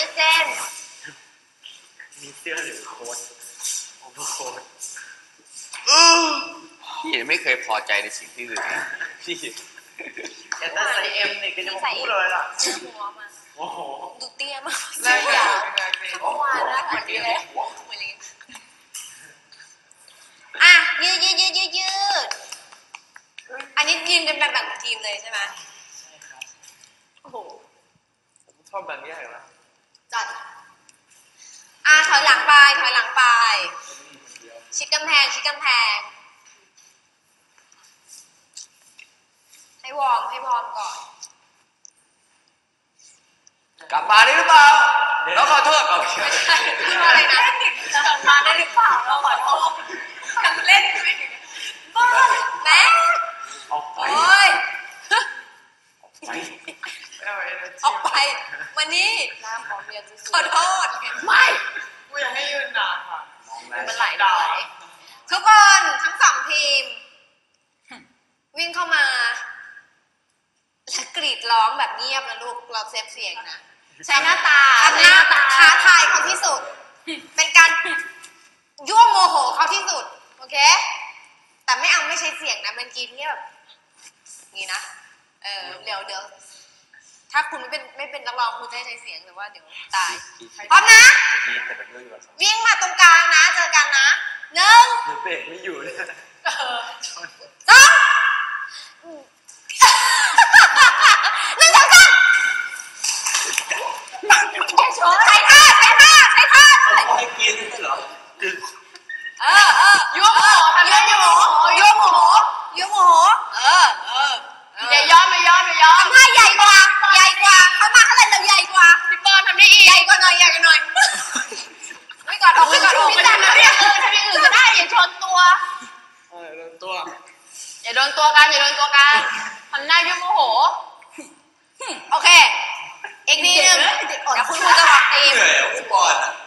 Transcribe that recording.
ดเส้นมีเสื้อหรือโค้ทโอเวอร์โค้ทพี่ไม่เคยพอใจในสิ่งที่อื่นพี่แต่ถ้าใส่เอ็มเนี่ยก็จะมาพูดเลยล่ะหัวมาโอ้โหดูเตี้ยมากเลยอ่ะเมื่อวานนะเหมือนนี้เลยอ่ะยืดอันนี้ยืนกันแบบแบ่งทีมเลยใช่ไหมใช่ครับโอ้โหผมชอบแบบนี้เหรอจัดถอยหลังไปชิดกำแพงให้วอร์มก่อนกลับมาได้หรือเปล่าแล้วขอโทษเอาไม่ใช่อะไรนะกลับมาได้หรือเปล่าเราขอโทษทำเล่นไม่ถึงบ้าแม่ออกไปออกไปมานี่น้ำของเมียขอโทษไม่กูยังไม่ยืนนานค่ะมันไหลทุกคนทั้ง2ทีมวิ่งเข้ามาและกรีดร้องแบบเงียบนะลูกเราเซฟเสียงนะใช้หน้าตาท้าทายเขาที่สุดเป็นการยั่วโมโหเขาที่สุดโอเคแต่ไม่ใช้เสียงนะมันกินเงียบนี่นะเดี๋ยวถ้าคุณไม่เป็นนักร้องคุณจะใช้เสียงหรือว่าเดี๋ยวตายพร้อมนะวิ่งมาตรงกลางนะเจอกันนะ1 เบรกไม่อยู่เลย 2 1 2 3ใช้ท่าไม่กินเหรอยั่วโมโหอย่ายอมทำให้ใหญ่กว่าเข้ามาเท่าไหร่เราใหญ่กว่าพี่ปอนทำได้อีกใหญ่กว่าหน่อยไม่ก่อนออกพี่จันนะเนี่ยทำอย่างอื่นก็ได้อย่าชนตัวอย่าโดนตัวกันทำหน้ายั่วโมโหโอเคอีกนิดนึงเดี๋ยวคุณครูจะบอกทีม